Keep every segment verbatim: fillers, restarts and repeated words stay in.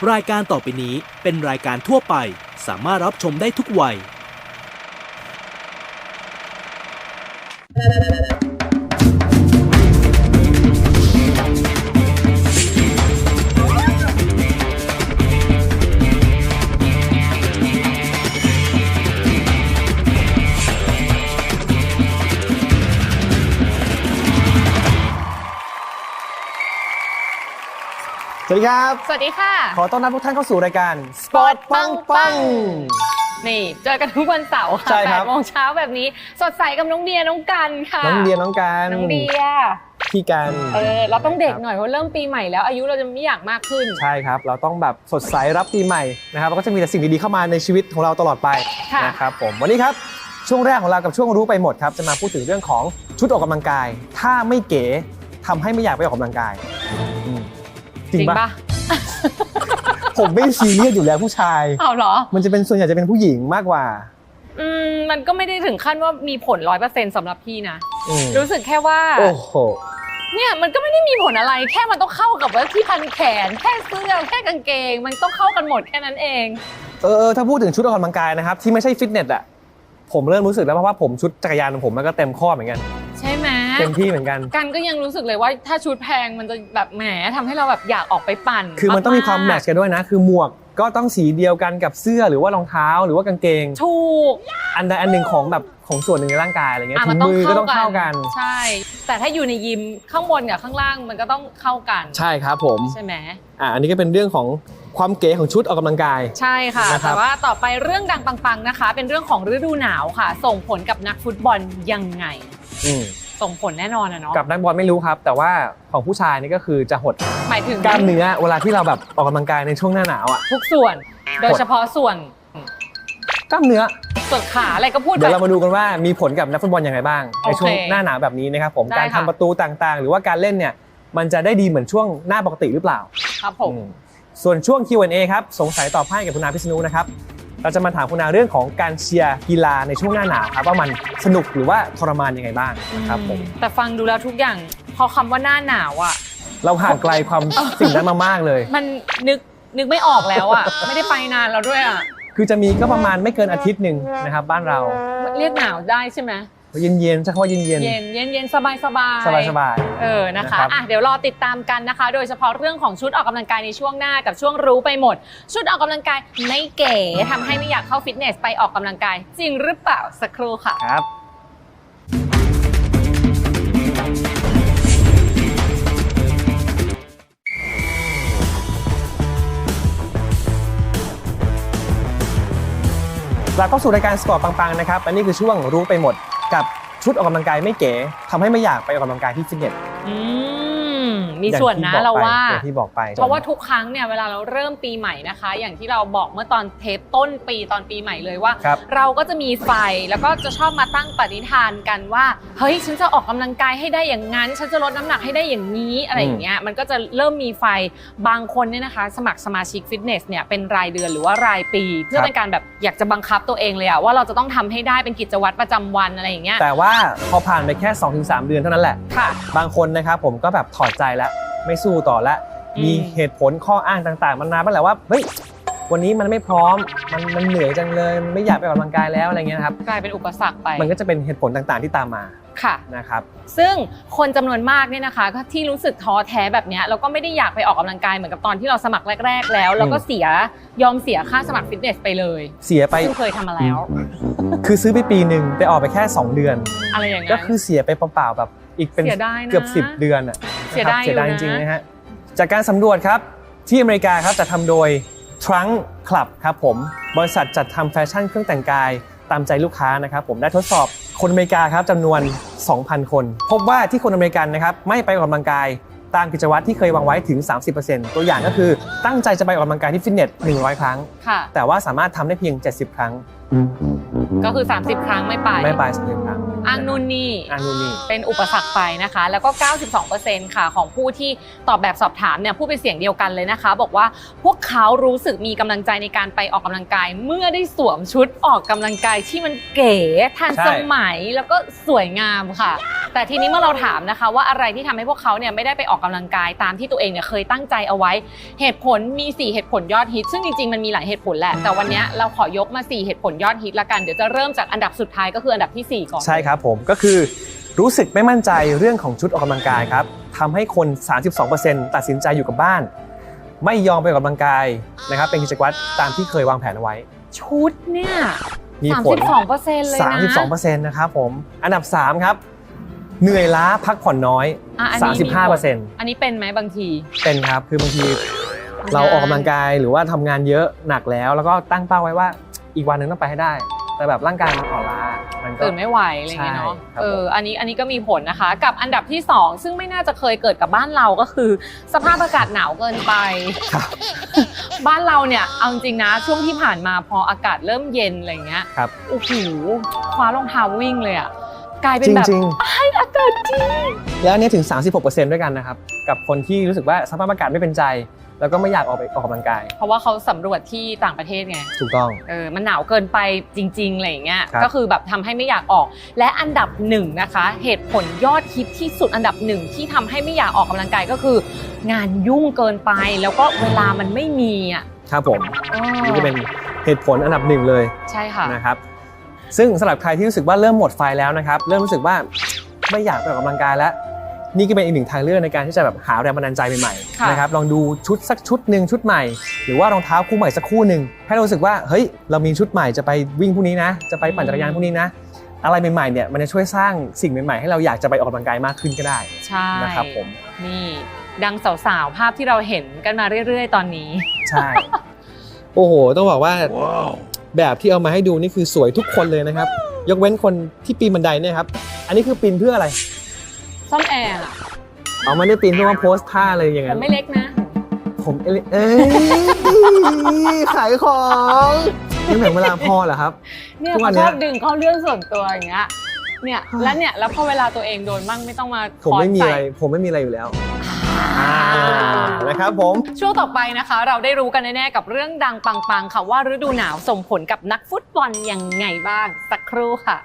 รายการต่อไปนี้เป็นรายการทั่วไปสามารถรับชมได้ทุกวัยสวัสดีครับสวัสดีค่ะขอต้อนรับทุกท่านเข้าสู่รายการสปอร์ตปังปังนี่เจอกันทุกวันเสาร์ค่ะใช่ครับแปดโมงเช้าแบบนี้สดใสกับน้องเดียน้องกันค่ะน้องเดียน้องการน้องเดียพี่กันเออเราต้องเด็กหน่อยเพราะเริ่มปีใหม่แล้วอายุเราจะไม่อยากมากขึ้นใช่ครับเราต้องแบบสดใสรับปีใหม่นะครับแล้วก็จะมีแต่สิ่งดีๆเข้ามาในชีวิตของเราตลอดไปนะครับผมวันนี้ครับช่วงแรกของเรากับช่วงรู้ไปหมดครับจะมาพูดถึงเรื่องของชุดออกกำลังกายถ้าไม่เก๋ทำให้ไม่อยากไปออกกำลังกายจริงปะผมไม่ซีเรียสอยู่แล้วผู้ชายเอาเหรอมันจะเป็นส่วนใหญ่จะเป็นผู้หญิงมากกว่าอืมมันก็ไม่ได้ถึงขั้นว่ามีผลร้อยเปอร์เซ็นต์สำหรับพี่นะรู้สึกแค่ว่าโอ้โหเนี่ยมันก็ไม่ได้มีผลอะไรแค่มันต้องเข้ากับว่าที่พันแขนแค่เสื้อแค่กางเกงมันต้องเข้ากันหมดแค่นั้นเองเออถ้าพูดถึงชุดออกกำลังกายนะครับที่ไม่ใช่ฟิตเนสอะผมเริ่มรู้สึกแล้วเพราะว่าผมชุดจักรยานของผมมันก็เต็มข้อเหมือนกันใช่ไหมเต็มที่เหมือนกันกันก็ยังรู้สึกเลยว่าถ้าชุดแพงมันจะแบบแหมทำให้เราแบบอยากออกไปปั่นคือมันต้องมีความแมทช์กันด้วยนะคือหมวกก็ต้องสีเดียวกันกับเสื้อหรือว่ารองเท้าหรือว่ากางเกงถูกอันใดอันหนึ่งของแบบของส่วนหนึ่งในร่างกายอะไรเงี้ยถุงมือก็ต้องเข้ากันใช่แต่ถ้าอยู่ในยิมข้างบนกับข้างล่างมันก็ต้องเข้ากันใช่ครับผมใช่ไหมอ่าอันนี้ก็เป็นเรื่องของความเก๋ของชุดออกกำลังกายใช่ค่ะแต่ว่าต่อไปเรื่องดังปังๆนะคะเป็นเรื่องของฤดูหนาวค่ะส่งผลกับนักฟุตบอลยังไงส่งผลแน่นอนนะเนาะกับนักบอลไม่รู้ครับแต่ว่าของผู้ชายนี่ก็คือจะหดหมายถึงกล้ามเนื้อเวลาที่เราแบบออกกำลังกายในช่วงหน้าหนาวอ่ะทุกส่วนโดยเฉพาะส่วนกล้ามเนื้อส่วนขาอะไรก็พูดเดี๋ยวเรามาดูกันว่ามีผลกับนักฟุตบอลยังไงบ้างในช่วงหน้าหนาวแบบนี้นะครับผมการทำประตูต่างๆหรือว่าการเล่นเนี่ยมันจะได้ดีเหมือนช่วงหน้าปกติหรือเปล่าครับผมส่วนช่วง คิว แอนด์ เอ ครับสงสัยตอบให้กับคุณอาพิษณุนะครับเราจะมาถามคุณอาเรื่องของการเชียร์กีฬาในช่วงหน้าหนาวครับว่ามันสนุกหรือว่าทรมานยังไงบ้างครับผมแต่ฟังดูแล้วทุกอย่างพอคำว่าหน้าหนาวอ่ะเราห่างไกลความสิ่งนั้นมามากเลยมันนึกนึกไม่ออกแล้วอ่ะไม่ได้ไปนานแล้วด้วยอ่ะคือจะมีก็ประมาณไม่เกินอาทิตย์หนึ่งนะครับบ้านเราเรียกหนาวได้ใช่ไหมเย็นเย็นๆใช่คำว่าเย็นเย็นเย็นเย็นเย็นสบายสบายสบายสบายเออนะคะอ่ะเดี๋ยวรอติดตามกันนะคะโดยเฉพาะเรื่องของชุดออกกำลังกายในช่วงหน้ากับช่วงรู้ไปหมดชุดออกกำลังกายไม่เก๋ทำให้ไม่อยากเข้าฟิตเนสไปออกกำลังกายจริงหรือเปล่าสักครู่ค่ะครับกลับเข้าสู่รายการสปอร์ตปังๆนะครับอันนี้คือช่วงรู้ไปหมดกับชุดออกกำลังกายไม่เก๋ทำให้ไม่อยากไปออกกำลังกายที่ฟิตเนสมีส่วนนะเราว่าอย่างที่บอกไปเพราะว่าทุกครั้งเนี่ยเวลาเราเริ่มปีใหม่นะคะอย่างที่เราบอกเมื่อตอนเทปต้นปีตอนปีใหม่เลยว่าเราก็จะมีไฟแล้วก็จะชอบมาตั้งปณิธานกันว่าเฮ้ยฉันจะออกกำลังกายให้ได้อย่างนั้นฉันจะลดน้ำหนักให้ได้อย่างนี้อะไรอย่างเงี้ยมันก็จะเริ่มมีไฟบางคนเนี่ยนะคะสมัครสมาชิกฟิตเนสเนี่ยเป็นรายเดือนหรือว่ารายปีเพื่อเป็นการแบบอยากจะบังคับตัวเองเลยอะว่าเราจะต้องทำให้ได้เป็นกิจวัตรประจำวันอะไรอย่างเงี้ยแต่ว่าพอผ่านไปแค่ สองถึงสาม เดือนเท่านั้นแหละค่ะบางคนนะครับผมก็แบบถอดใจแล้วไม่สู้ต่อแล้วมีเหตุผลข้ออ้างต่างๆมันนานมาแล้วว่าเฮ้ยวันนี้มันไม่พร้อมมันมันเหนื่อยจังเลยไม่อยากไปออกกำลังกายแล้วอะไรเงี้ยนะครับกลายเป็นอุปสรรคไปมันก็จะเป็นเหตุผลต่างๆที่ตามมาค่ะนะครับซึ่งคนจำนวนมากเนี่ยนะคะที่รู้สึกท้อแท้แบบนี้แล้วก็ไม่ได้อยากไปออกกำลังกายเหมือนกับตอนที่เราสมัครแรกๆแล้วแล้วก็เสียยอมเสียค่าสมัครฟิตเนสไปเลยเสียไปเคยทำมาแล้วคือซื้อไปปีหนึ่งไปออกไปแค่สองเดือนอะไรอย่างเงี้ยก็คือเสียไปเปล่าๆแบบอีกเป็นเกือบสิบเดือนอ่ะเสียดายเสียดายจริงๆนะฮะจากการสำรวจครับที่อเมริกาครับจะทำโดย Trunk Club ครับผมบริษัทจัดทำแฟชั่นเครื่องแต่งกายตามใจลูกค้านะครับผมได้ทดสอบคนอเมริกาครับจำนวน สองพัน คนพบว่าที่คนอเมริกันนะครับไม่ไปออกกำลังกายตามกิจวัตรที่เคยวางไว้ถึง สามสิบเปอร์เซ็นต์ ตัวอย่างก็คือตั้งใจจะไปออกกำลังกายที่ฟิตเนสหนึ่งร้อยครั้งแต่ว่าสามารถทำได้เพียงเจ็ดสิบครั้งก็คือสามสิบครั้งไม่ไปไม่ไปสามสิบครั้งอ้างนู่นนี่อ้างนู่นนี่เป็นอุปสรรคไปนะคะ แล้วก็ เก้าสิบสองเปอร์เซ็นต์ ค่ะของผู้ที่ตอบแบบสอบถามเนี่ยพูดเป็นเสียงเดียวกันเลยนะคะบอกว่าพวกเขารู้สึกมีกำลังใจในการไปออกกำลังกายเมื่อได้สวมชุดออกกำลังกายที่มันเก๋ทันสมัยแล้วก็สวยงามค่ะ แต่ทีนี้เมื่อเราถามนะคะว่าอะไรที่ทำให้พวกเขาเนี่ยไม่ได้ไปออกกำลังกายตามที่ตัวเองเนี่ยเคยตั้งใจเอาไว้เหตุผลมีสี่เหตุผลยอดฮิตซึ่งจริงๆมันมีหลายเหตุผลแหละแต่วันนี้เราขอยกมาสี่เหตุผลยอดฮิตละกันเดี๋ยวจะเริ่มจากอันดับสุดท้ายก็คืออันดับที่สี่ก่อนใช่ครับผมก็คือรู้สึกไม่มั่นใจเรื่องของชุดออกกำลังกายครับทำให้คน สามสิบสองเปอร์เซ็นต์ ตัดสินใจอยู่กับบ้านไม่ยอมไปออกกำลังกายนะครับเป็นกิจวัตรตามที่เคยวางแผนเอาไว้ชุดเนี่ยมีผลสามสิบสองเปอร์เซ็นต์ เลยนะสามสิบสองเปอร์เซ็นต์ นะครับผมอันดับสามครับเหนื่อยล้าพักผ่อนน้อย สามสิบห้าเปอร์เซ็นต์อันนี้เป็นไหมบางทีเป็นครับคือบางทีเราออกกำลังกายหรือว่าทำงานเยอะหนักแล้วแล้วก็ตั้งเป้าไว้ว่าอีกวันหนึ่งต้องไปให้ได้แต่แบบร่างกายมันอ่อนล้ามันก็ตื่นไม่ไหวอะไรอย่างเงี้ยเนาะเอออันนี้อันนี้ก็มีผลนะคะกับอันดับที่สองซึ่งไม่น่าจะเคยเกิดกับบ้านเราก็คือสภาพอากาศหนาวเกินไปบ้านเราเนี่ยเอาจริงนะช่วงที่ผ่านมาพออากาศเริ่มเย็นอะไรเงี้ยโอ้โหคว้ารองเท้าวิ่งเลยอ่ะกลายเป็นแบบไอ้อากาศจริงแล้วเนี่ยถึง สามสิบหกเปอร์เซ็นต์ ด้วยกันนะครับกับคนที่รู้สึกว่าสภาพอากาศไม่เป็นใจแล้วก็ไม่อยากออกไปออกกำลังกายเพราะว่าเขาสำรวจที่ต่างประเทศไงถูกต้องเออมันหนาวเกินไปจริงๆอะไรอย่างเงี้ยก็คือแบบทำให้ไม่อยากออกและอันดับหนึ่งนะคะเหตุผลยอดฮิตที่สุดอันดับหนึ่งที่ทำให้ไม่อยากออกกำลังกายก็คืองานยุ่งเกินไปแล้วก็เวลามันไม่มีอ่ะครับผมนี่จะเป็นเหตุผลอันดับหนึ่งเลยใช่ค่ะนะครับซึ่งสำหรับใครที่รู้สึกว่าเริ่มหมดไฟแล้วนะครับเริ่มรู้สึกว่าไม่อยากไปออกกำลังกายแล้วนี่ก็เป็นอีกหนึ่งทางเลือกในการที่จะแบบหาแรงบันดาลใจใหม่ๆนะครับลองดูชุดสักชุดหนึ่งชุดใหม่หรือว่ารองเท้าคู่ใหม่สักคู่หนึ่งให้เรารู้สึกว่าเฮ้ยเรามีชุดใหม่จะไปวิ่งพรุ่งนี้นะจะไปปั่นจักรยานพรุ่งนี้นะอะไรใหม่ๆเนี่ยมันจะช่วยสร้างสิ่งใหม่ๆให้เราอยากจะไปออกกำลังกายมากขึ้นก็ได้ใช่นะครับผมนี่ดังสาวๆภาพที่เราเห็นกันมาเรื่อยๆตอนนี้ใช่โอ้โหต้องบอกว่าแบบที่เอามาให้ดูนี่คือสวยทุกคนเลยนะครับยกเว้นคนที่ปีนบันไดเนี่ยครับอันนี้คือปีนเพื่ออะไรซ่อมแอร์อะเอาไม่ได้ปีนเพื่อมาโพสท่าเลยอย่างนั้นผมไม่เล็กนะผมเอ้ยขายของนี่เหมือนเวลาพ่อเหรอครับเนี่ยเขาชอบดึงเข้าเรื่องส่วนตัวอย่างเงี้ยเนี่ยแล้วเนี่ยแล้วพอเวลาตัวเองโดนบ้างไม่ต้องมาผมไม่มีอะไรผมไม่มีอะไรอยู่แล้วนะครับผมช่วงต่อไปนะคะเราได้รู้กันแน่ๆกับเรื่องดังปังๆค่ะว่าฤดูหนาวส่งผลกับนักฟุตบอลยังไงบ้างสักครู่ค่ะ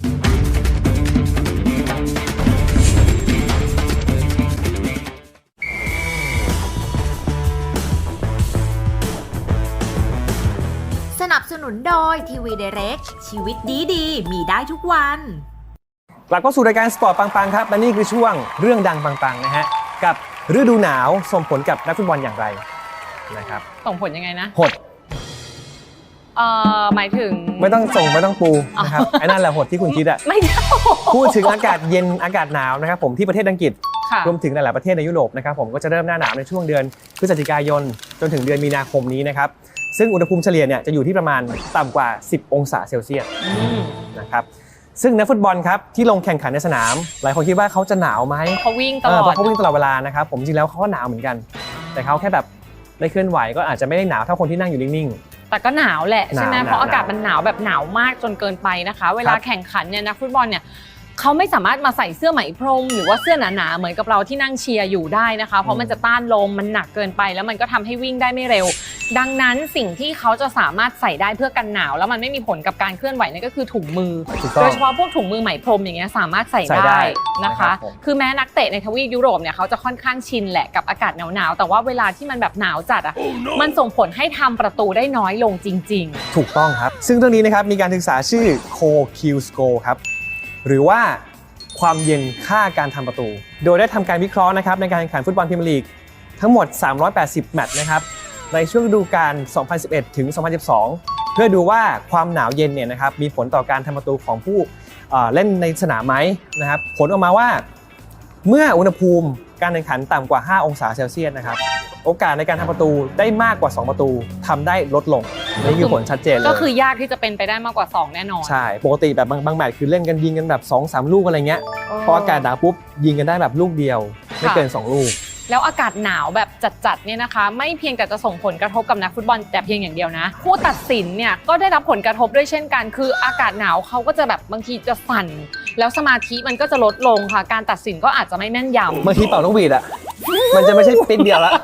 สนับสนุนโดยทีวีไดเรกชีวิตดีๆมีได้ทุกวันกลับเข้าสู่รายการสปอร์ตปังๆครับและนี่คือช่วงเรื่องดังปังๆนะฮะกับฤดูหนาวส่งผลกับนักฟุตบอลอย่างไรนะครับส่งผลยังไงนะหดเอ่อหมายถึงไม่ต้องส่งไม่ต้องปูนะครับไอ้นั่นแหละหดที่คุณคิดอะไม่พูดถึงอากาศเย็นอากาศหนาวนะครับผมที่ประเทศอังกฤษรวมถึงหลายๆประเทศในยุโรปนะครับผมก็จะเริ่มหน้าหนาวในช่วงเดือนพฤศจิกายนจนถึงเดือนมีนาคมนี้นะครับซึ่งอุณหภูมิเฉลี่ยเนี่ยจะอยู่ที่ประมาณต่ำกว่าสิบองศาเซลเซียสนะครับซึ่งนักฟุตบอลครับที่ลงแข่งขันในสนามหลายคนคิดว่าเขาจะหนาวไหมเขาวิ่งตลอดเพราะเขาวิ่งตลอดเวลานะครับผมจริงแล้วเขาก็หนาวเหมือนกันแต่เขาแค่แบบได้เคลื่อนไหวก็อาจจะไม่ได้หนาวเท่าคนที่นั่งอยู่นิ่งๆแต่ก็หนาวแหละใช่ไหมเพราะอากาศมันหนาวแบบหนาวมากจนเกินไปนะคะเวลาแข่งขันเนี่ยนักฟุตบอลเนี่ยเขาไม่สามารถมาใส่เสื้อไหมพรมหรือว่าเสื้อหนาๆเหมือนกับเราที่นั่งเชียร์อยู่ได้นะคะเพราะมันจะต้านลมมันหนักเกินไปแล้วมันก็ทำให้วิ่งได้ไม่เร็วดังนั้นสิ่งที่เขาจะสามารถใส่ได้เพื่อกันหนาวแล้วมันไม่มีผลกับการเคลื่อนไหวนั่นก็คือถุงมือโดยเฉพาะพวกถุงมือไหมพรมอย่างเงี้ยสามารถใส่ได้นะคะคือแม้นักเตะในทวีปยุโรปเนี่ยเขาจะค่อนข้างชินแหละกับอากาศหนาวๆแต่ว่าเวลาที่มันแบบหนาวจัดอ่ะมันส่งผลให้ทำประตูได้น้อยลงจริงๆถูกต้องครับซึ่งเรื่องนี้นะครับมีการศึกษาชื่อ โค คิว Score ครับหรือว่าความเย็นค่าการทำประตูโดยได้ทำการวิเคราะห์นะครับในการแข่งขันฟุตบอลพรีเมียร์ลีกทั้งหมดสามร้อยแปดสิบแมตช์นะครับในช่วงฤดูกาลสองพันสิบเอ็ดถึงสองพันสิบสองเพื่อดูว่าความหนาวเย็นเนี่ยนะครับมีผลต่อการทำประตูของผู้เล่นในสนามไหมนะครับผลออกมาว่าเมื่ออุณหภูมิการแข่งขันต่ำกว่าห้าองศาเซลเซียสนะครับโอกาสในการทำประตูได้มากกว่าสองประตูทำได้ลดลงนี่คือผลชัดเจนเลยก็คือยากที่จะเป็นไปได้มากกว่าสองแน่นอนใช่ปกติแบบบางบางแมตช์คือเล่นกันยิงกันแบบ สองสาม ลูกอะไรเงี้ยพออากาศหนาวปุ๊บยิงกันได้แบบลูกเดียวไม่เกินสองลูกแล้วอากาศหนาวแบบจัดๆเนี่ยนะคะไม่เพียงแต่จะส่งผลกระทบกับนักฟุตบอลแต่เพียงอย่างเดียวนะผู้ตัดสินเนี่ยก็ได้รับผลกระทบด้วยเช่นกันคืออากาศหนาวเขาก็จะแบบบางทีจะสั่นแล้วสมาธิมันก็จะลดลงค่ะการตัดสินก็อาจจะไม่แม่นยำบางทีเป่านกหวีดอ่ะมันจะไม่ใช่ปิดเดียวละ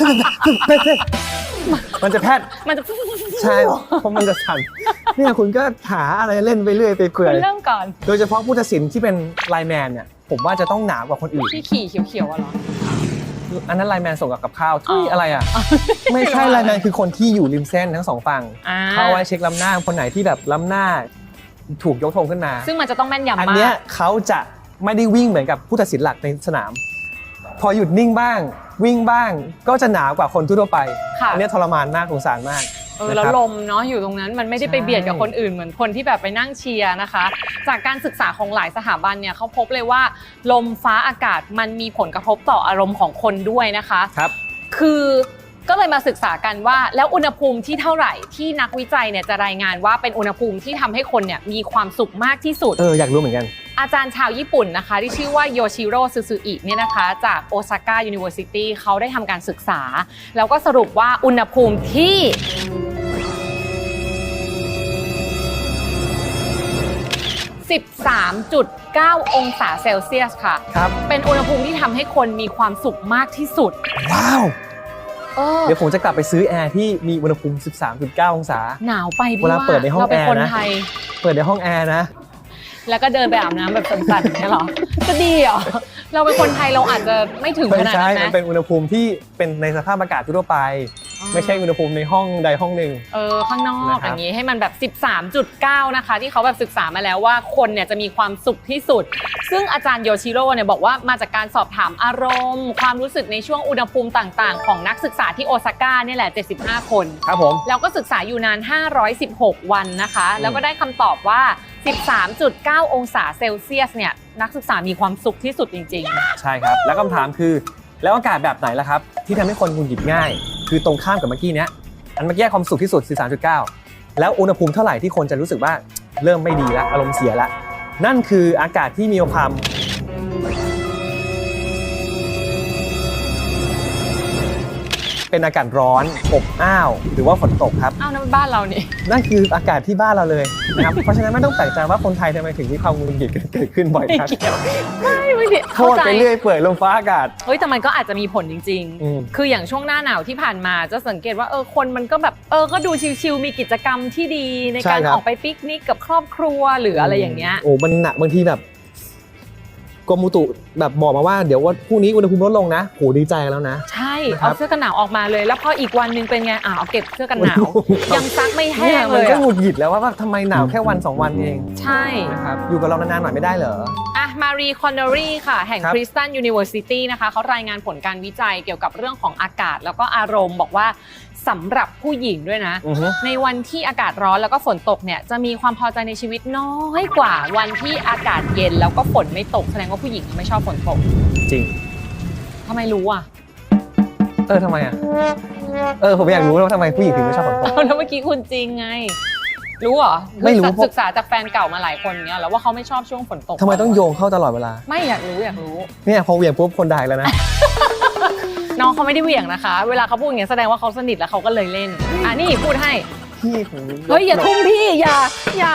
มันจะแพทย์มันจะใช่เพราะมันจะสั่นเนี่ยคุณก็หาอะไรเล่นไปเรื่อยไปเปื่อยคุณเริ่มก่อนโดยเฉพาะผู้ตัดสินที่เป็นไลน์แมนเนี่ยผมว่าจะต้องหนากว่าคนอื่นที่ขี่เขียวๆอะเหรออันนั้นไลน์แมนส่งกับกับข้าวทุยอ๋อออะไรอ่ะ ไม่ใช่ไลน์แมนคือคนที่อยู่ริมเส้นทั้งสองฝั่งอ่าเข้าไว้เช็คล้ำหน้าคนไหนที่แบบล้ำหน้าถูกยกธงขึ้นมาซึ่งมันจะต้องแม่นยำอันมาเนี้ยกเขาจะไม่ได้วิ่งเหมือนกับผู้ตัดสินหลักในสนาม พอหยุดนิ่งบ้าง วิ่งบ้างก็จะหนากว่าคนทั่วๆไปค่ะอันเนี้ยทรมานมากสงสารมากเออนะแล้วครับลมเนาะอยู่ตรงนั้นมันไม่ได้ไปใช่เบียดกับคนอื่นเหมือนคนที่แบบไปนั่งเชียร์นะคะ จากการศึกษาของหลายสถาบันเนี่ยเขาพบเลยว่าลมฟ้าอากาศมันมีผลกระทบต่ออารมณ์ของคนด้วยนะคะครับคือก็เลยมาศึกษากันว่าแล้วอุณหภูมิที่เท่าไหร่ที่นักวิจัยเนี่ยจะรายงานว่าเป็นอุณหภูมิที่ทำให้คนเนี่ยมีความสุขมากที่สุดเอออยากรู้เหมือนกันอาจารย์ชาวญี่ปุ่นนะคะที่ชื่อว่าโยชิโร่ซูซูอิเนี่ยนะคะจากโอซาก้ายูนิเวอร์ซิตี้เขาได้ทำการศึกษา แล้วก็สรุปว่าอุณหภูมิที่ สิบสามจุดเก้า องศาเซลเซียสค่ะครับเป็นอุณหภูมิที่ทำให้คนมีความสุขมากที่สุดว้าวเออเดี๋ยวผมจะกลับไปซื้อแอร์ที่มีอุณหภูมิ สิบสามจุดเก้า องศาหนาวไปพี่เวลาว่าเปิดในห้องเราเป็นแอร์คนนะไทยเปิดในห้องแอร์นะแล้วก็เดินไปอาบน้ำแบบสั่นๆอย่างเนี่ยเหรอ จะดีเหรอ เราเป็นคนไทยเราอาจจะไม่ถึงไม่ขนาดใช่นั้นมันนะเป็นอุณหภูมิที่เป็นในสภาพอากาศทั่วไปอ๋อไม่ใช่อุณหภูมิในห้องใดห้องหนึ่งเออข้างนอกนะครับอย่างนี้ให้มันแบบ สิบสามจุดเก้า นะคะที่เขาแบบศึกษามาแล้วว่าคนเนี่ยจะมีความสุขที่สุด ซึ่งอาจารย์โยชิโร่เนี่ยบอกว่ามาจากการสอบถามอารมณ์ ความรู้สึกในช่วงอุณหภูมิต่างๆ ของนักศึกษาที่โอซาก้าเนี่ยแหละ เจ็ดสิบห้า คนครับผมแล้วก็ศึกษาอยู่นาน ห้าร้อยสิบหก วันนะคะ แล้วก็ได้คำตอบว่า สิบสามจุดเก้า องศาเซลเซียสเนี่ยนักศึกษามีความสุขที่สุดจริงๆใช่ครับ แล้วคำถามคือแล้วอากาศแบบไหนล่ะครับที่ทำให้คนหงุดหงิดง่าย คือตรงข้ามกับเมื่อกี้เนี้ยอันเมื่อกี้ความสุขที่สุด สิบสามจุดเก้า แล้วอุณหภูมิเท่าไหร่ที่คนจะรู้สึกว่าเริ่มไม่ดีละอารมณ์เสียละนั่นคืออากาศที่มีความเป็นอากาศร้อนอบอ้าวหรือว่าฝนตกครับอ้าวนั่นมันบ้านเรานี่นั่นคืออากาศที่บ้านเราเลยนะครับ เพราะฉะนั้นไม่ต้องแปลกใจว่าคนไทยทำไมถึงมีความหงุดหงิดเกิดขึ้นบ่อยไม่ครับเกี่ยวไม่ไม่เกี่ยวโทเข้าษใจไปเรื่อยเปื่อยลมฟ้าอากาศเฮ้ยแต่มันก็อาจจะมีผลจริงอืมๆ คืออย่างช่วงหน้าหนาวที่ผ่านมาจะสังเกตว่าเออคนมันก็แบบเออก็ดูชิลๆมีกิจกรรมที่ดีในใช่การครับออกไปปิกนิกกับครอบครัวหรืออะไรอย่างเงี้ยโอ้มันหนักบางทีแบบกรมอุตุแบบบอกมาว่าเดี๋ยวว่าพรุ่งนี้อุณหภูมิลดลงนะโหดีใจแล้วนะใช่นะครับเอาเสื้อกันหนาวออกมาเลย แล้วพออีกวันหนึงเป็นไงอ่าเอาเก็บเสื้อกันหนาว ยังซักไม่แห้เนี่ยงมัเลนยก็อะหงุดหงิดแล้วว่าแบบทำไมหนาวแค่วันสองวันเองใช่นะครับอยู่กับเรานานๆหน่อยไม่ได้เหรออ่ะมารีคอนเนอรี่ค่ะ แห่งครับคริสตันยูนิเวอร์ซิตี้นะคะเขารายงานผลการวิจัยเกี่ยวกับเรื่องของอากาศแล้วก็อารมณ์บอกว่าสำหรับผู้หญิงด้วยนะอือฮึในวันที่อากาศร้อนแล้วก็ฝนตกเนี่ยจะมีความพอใจในชีวิตน้อยกว่าวันที่อากาศเย็นแล้วก็ฝนไม่ตกแสดงว่าผู้หญิงไม่ชอบฝนตกจริงทำไมรู้อ่ะเออทำไมอ่ะเออผมอยากรู้ว่าทำไมผู้หญิงถึงไม่ชอบฝนตกเอาแล้วเมื่อกี้คุณจริงไง รู้เหรอไม่รู้คือศึกษาจากแฟนเก่ามาหลายคนเนี่ยแล้วว่าเขาไม่ชอบช่วงฝนตกทำไมต้องโยงเข้าตลอดเวลาไม่อยากรู้อยากรู้เนี่ยพอเหวี่ยงปุ๊บคนด่าอีกแล้วนะน้องเขาไม่ได้เหวี่ยงนะคะ เวลาเขาพูดอย่างเงี้ยแสดงว่าเขาสนิทแล้วเขาก็เลยเล่นอ่ะนี่พูดให้พี่ของเฮ้ยอย่าทุ่มพี่อย่าอย่า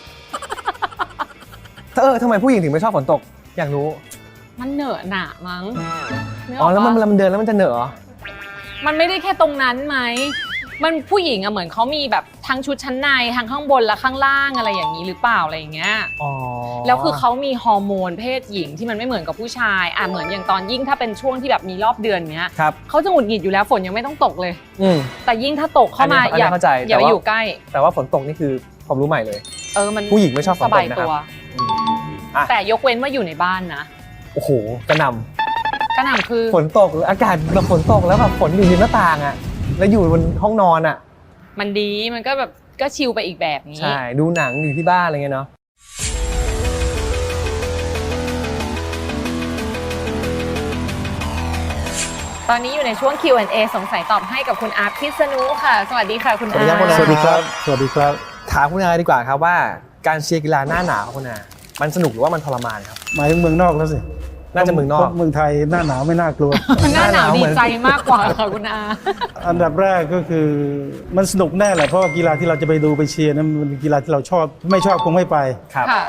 เออทำไมผู้หญิงถึงไม่ชอบฝนตก อยากรู้มันเหนอะหนะมั้งนึกกอ๋อแล้วมันปะเวลามันเดินแล้วมันจะเหนอะเหรอมันไม่ได้แค่ตรงนั้นไหม มันผู้หญิงอะเหมือนเขามีแบบทั้งชุดชั้นในทั้งข้างบนและข้างล่างอะไรอย่างนี้หรือเปล่าอะไรอย่างเงี้ยอ๋อแล้วคือเขามีฮอร์โมนเพศหญิงที่มันไม่เหมือนกับผู้ชายอ่ะเหมือนอย่างตอนยิ่งถ้าเป็นช่วงที่แบบมีรอบเดือนเนี้ยครับเขาจะหงุดหงิดอยู่แล้วฝนยังไม่ต้องตกเลยอืมแต่ยิ่งถ้าตกเข้ามาอันนี้อย่าอันนี้เข้าใจอย่าแต่ไปว่าอยู่ใกล้แต่ว่าฝนตกนี่คือความรู้ใหม่เลยเออมันผู้หญิงไม่ชอบฝนตกสบายนะครับตัวอืมอ่ะแต่ยกเว้นว่าอยู่ในบ้านนะโอ้โหกระหนกระหน่ำคือำฝนตกหรืออากาศแบบฝนตกแล้วแบบฝนอยู่ริมหน้าต่างอ่ะแล้วอยู่บนห้องนอนอ่ะมันดีมันก็แบบก็ชิลไปอีกแบบนี้ใช่ดูหนังอยู่ที่บ้านอะไรเงี้ยเนาะตอนนี้อยู่ในช่วง คิว แอนด์ เอ สงสัยตอบให้กับคุณอาร์ตพิษณุค่ะ สวัสดีค่ะคุณอาร์ตสวัสดีครับสวัสดีครับถามคุณอาดีกว่าครับว่าการเชียร์กีฬาหน้าหนาวคุณอามันสนุกหรือว่ามันทรมานครับหมายถึงเมืองนอกแล้วสิน่าจะเมืองนอกพราะเมืองไทยหน้าหนาวไม่น่ากลัวหน้าหนาวหน้าหนาวดีเหมือนใจมากกว่าค่ะคุณอาอันดับแรกก็คือมันสนุกแน่แหละเพราะว่ากีฬาที่เราจะไปดูไปเชียร์นั้นมันเป็นกีฬาที่เราชอบไม่ชอบคงไม่ไปครับค่ะ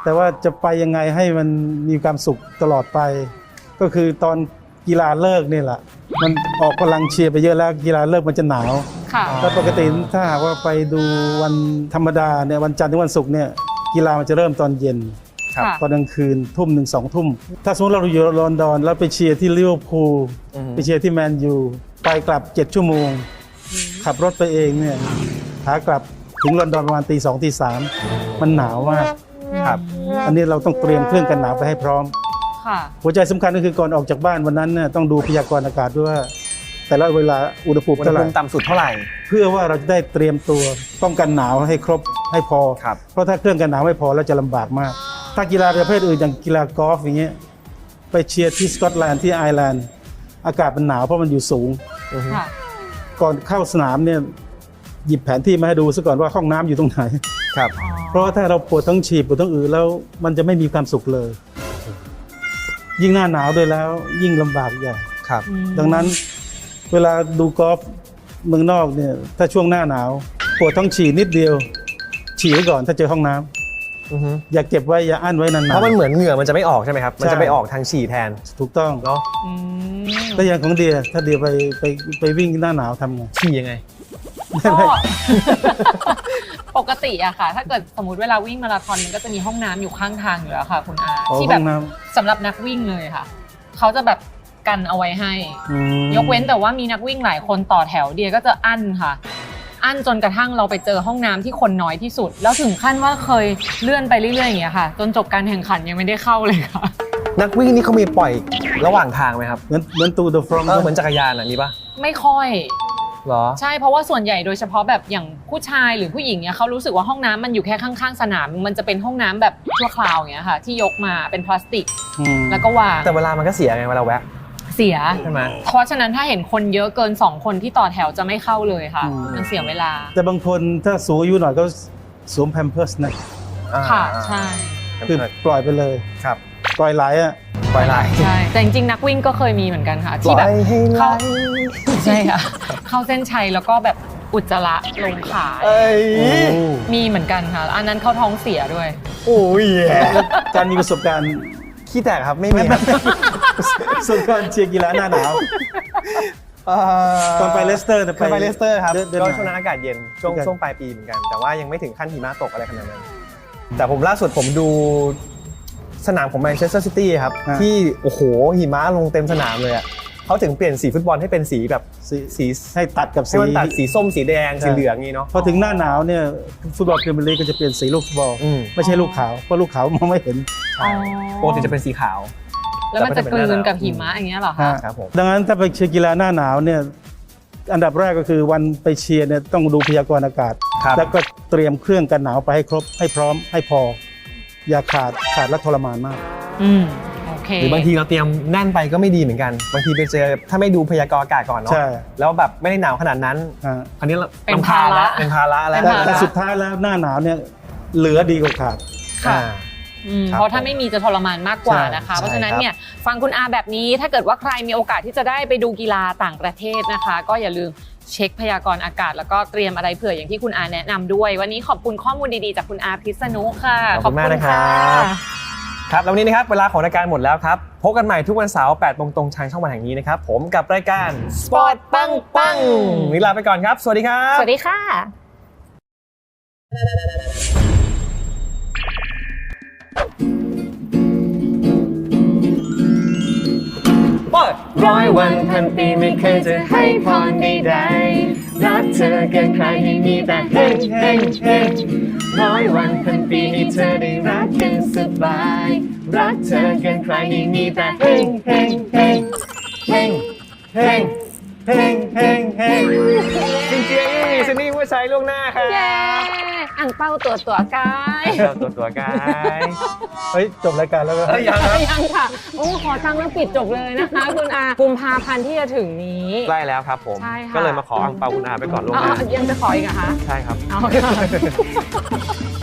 แต่ว่าจะไปยังไงให้มันมีความสุขตลอดไป ก็คือตอนกีฬาเลิกนี่แหละมันออกพลังเชียร์ไปเยอะแล้วกีฬาเลิกมันจะหนาวค่ะแล้วปกติถ้าหากว่าไปดูวันธรรมดาเนี่ยวันจันทร์ถึงวันศุกร์เนี่ยกีฬามันจะเริ่มตอนเย็นค่ะตอนกลางคืนทุ่มหนึ่งสองทุ่มถ้าสมมติเราอยู่ลอนดอนแล้วไปเชียร์ที่ลิเวอร์พูลอือฮึไปเชียร์ที่แมนยูไปกลับเจ็ดชั่วโมง ขับรถไปเองเนี่ยขากลับถึงลอนดอนประมาณตีสองตีสามมันหนาวมากครับอันนี้เราต้องเตรียมเครื่องกันหนาวไปให้พร้อมค่ะหัวใจสำคัญก็คือก่อนออกจากบ้านวันนั้นเนี่ยต้องดูพยากรณ์อากาศด้วยว่าแต่ละเวลาอุณหภูมิอุณหเท่าไหภูร่มิต่ำสุดเท่าไหร่เพื่อว่าเราจะได้เตรียมตัวป้องกันหนาวให้ครบให้พอครับเพราะถ้าเครื่องกันหนาวไม่พอแล้วจะลำบากมาก ถ้ากีฬาประเภทอื่นอย่างกีฬากอล์ฟอย่างเงี้ยไปเชียร์ที่สกอตแลนด์ที่ไอร์แลนด์อากาศมันหนาวเพราะมันอยู่สูงค่ะก่อนเข้าสนามเนี่ยหยิบแผนที่มาให้ดูซะก่อนว่าห้องน้ำอยู่ตรงไหนครับเพราะว่าถ้าเราปวดท้องฉีบปวดท้องอืดแล้วมันจะไม่มีความสุขเลย ยิ่งหน้าหนาวด้วยแล้วยิ่งลำบากใหญ่ครับดังนั้นเวลาดูกอล์ฟเมืองนอกเนี่ยถ้าช่วงหน้าหนาวปวดท้องฉี่นิดเดียว ฉี่ไว้ก่อนถ้าเจอห้องน้ำอือฮึอย่าเก็บไว้อย่าอั้นไว้นานๆเพราะมันเหมือนเหงื่อมันจะไม่ออกใช่ไหมครับ มันจะไปออกทางฉี่แทนถูกต้องเนาะอืมก็อย่างของเดียถ้าเดียไปไปไปวิ่งหน้าหนาวทำไงฉี่ยังไงก็ ปกติอะค่ะ ถ้าเกิดสมมติเวลาวิ่งมาราธอนมันก็จะมีห้องน้ำอยู่ข้างทางอยู่แล้วค่ะ คุณอาอ๋อที่แบห้บองน้สำหรับนักวิ่งเลยค่ะ เขาจะแบบกันเอาไว้ให้ำอืมยกเว้นแต่ว่ามีนักวิ่งหลายคนต่อแถวเดียก็จะอั้นค่ะ อั้นจนกระทั่งเราไปเจอห้องน้ำที่คนน้อยที่สุด แล้วถึงขั้นว่าเคยเลื่อนไปเรื่อยๆอย่างเงี้ยค่ะ จนจบการแข่งขันยังไม่ได้เข้าเลยค่ะนักวิ่งนี่เขามีปล่อยระหว่างทางไหมครับเหมือนเหมือนตูเดอะฟรองเออเหมือนจักรยานอ่ะนี่ปะไม่ค่อยเหรอใช่เพราะว่าส่วนใหญ่โดยเฉพาะแบบอย่างผู้ชายหรือผู้หญิงเนี่ยเขารู้สึกว่าห้องน้ำมันอยู่แค่ข้างๆสนาม มันจะเป็นห้องน้ำแบบชั่วคราวอย่างเงี้ยค่ะ ที่ยกมาเป็นพลาสติกอืมแล้วก็วางแต่เวลามันก็เสียไงเวลาแวะเสียใช่ไหมเพราะฉะนั้นถ้าเห็นคนเยอะเกินสองคนที่ต่อแถวจะไม่เข้าเลยค่ะ มันเสียเวลาแต่บางคนถ้าสูงอายุหน่อยก็สวมแพมเพิร์สนะค่ะ ใช่คือปล่อยไปเลยครับปล่อยไหลอ่ะปล่อยไหลใช่แต่จริงๆนักวิ่งก็เคยมีเหมือนกันค่ะที่แบบปล่อยให้ไหลเข้าใช่ค่ะเข้าเส้นชัยแล้วก็แบบอุจจาระลงขาเอ้ยมีเหมือนกันค่ะ อันนั้นเข้าท้องเสียด้วยโอ้ยการมีประสบการณ์ขี้แตกครับไม่มีครับประสบการณ์เชียร์กีฬาหน้าหนาวเอ่อตอนไปเลสเตอร์เนี่ยเคยไปเลสเตอร์ครับเดือนเดือนก็ไหนช่วงนั้นอากาศเย็นช่วงเหมือนกันช่วงปลายปีเหมือนกัน แต่ว่ายังไม่ถึงขั้นหิมะตกอะไรขนาดนั้น แต่ผมล่าสุดผมดูสนามของแมนเชสเตอร์ซิตี้ครับอ่าที่โอ้โหหิมะลงเต็มสนามเลยอ่ะเขาถึงเปลี่ยนสีฟุตบอลให้เป็นสีแบบสีสีให้ตัดกับให้สีมันตัดสีส้มสีแดงใช่สีเหลืองงี้เนาะพอถึงหน้าหนาวเนี่ยฟุตบอลพรีเมียร์ลีกก็จะเปลี่ยนสีลูกฟุตบอลอืมไม่ใช่ลูกขาวเพราะลูกขาวมองไม่เห็นอ๋อปกติจะเป็นสีขาวแล้วมันจะกลืนกับหิมะอย่างเงี้ยเหรอคะครับผมดังนั้นถ้าไปเชียร์กีฬาหน้าหนาวเนี่ยอันดับแรกก็คือวันไปเชียร์เนี่ยต้องดูพยากรณ์อากาศครับแล้วก็เตรียมเครื่องกันหนาวไปให้ครบให้พร้อมให้พอ อย่าขาดขาดและทรมานมากอืมโอเคหรือบางทีเราเตรียมแน่นไปก็ไม่ดีเหมือนกัน บางทีไปเจอถ้าไม่ดูพยากรณ์อากาศก่อนเนาะใช่แล้วแบบไม่ได้หนาวขนาดนั้นอ่าอันนี้เราเป็นรำคญภาระละเป็นภาระแล้วเป็นแต่ภาระแต่สุดท้ายแล้วหน้าหนาวเนี่ยเหลือดีกว่าขาดค่ะอ่าอืมครับเพราะถ้าไม่มีจะทรมานมากกว่านะคะใช่เพราะฉะนั้นครับเนี่ยฟังคุณอาแบบนี้ถ้าเกิดว่าใครมีโอกาสที่จะได้ไปดูกีฬาต่างประเทศนะคะ ก็อย่าลืมเช็คพยากรณ์อากาศ แล้วก็เตรียมอะไรเผื่ออย่างที่คุณอาแนะนำด้วย วันนี้ขอบคุณข้อมูลดีๆจากคุณอาพิษณุค่ะขอบคุณมากนะครับครับแล้ววันนี้นะครับเวลาของรายการหมดแล้วครับพบกันใหม่ทุกวันเสาร์แปดโมงตรงทางช่องวันแห่งนี้นะครับผมกับรายการ Sport ปังปังวันนี้ลาไปก่อนครับสวัสดีครับสวัสดีค่ะเปิดร้อยวันพันปีไม่เคยจะให้พรใดๆรักเธอเกินใครให้มีแต่เฮงเฮงเฮงร้อยวันพันปีให้เธอได้รักกันสบายรักเธอเกินใครให้มีแต่เฮงเฮงเฮงเฮงเฮงเฮงเฮงเฮงจริงๆมีสนี่ผู้ใช้ล่วงหน้าครับเย้อ่างเป้าตัวตัวกายเราตัวตัวกายเฮ้ยจบรายการแล้วก็เอ้ยยังครับยังค่ะโอ้ขอตั้งแล้วปิดจบเลยนะคะคุณอากุมภาพันธ์ที่จะถึงนี้ใกล้แล้วครับผมใช่ค่ะก็เลยมาขออังเปาคุณอาไปก่อนล่วงอ๋หน้าอยังจะขออีกเหรอคะใช่ครับเอาค่ะ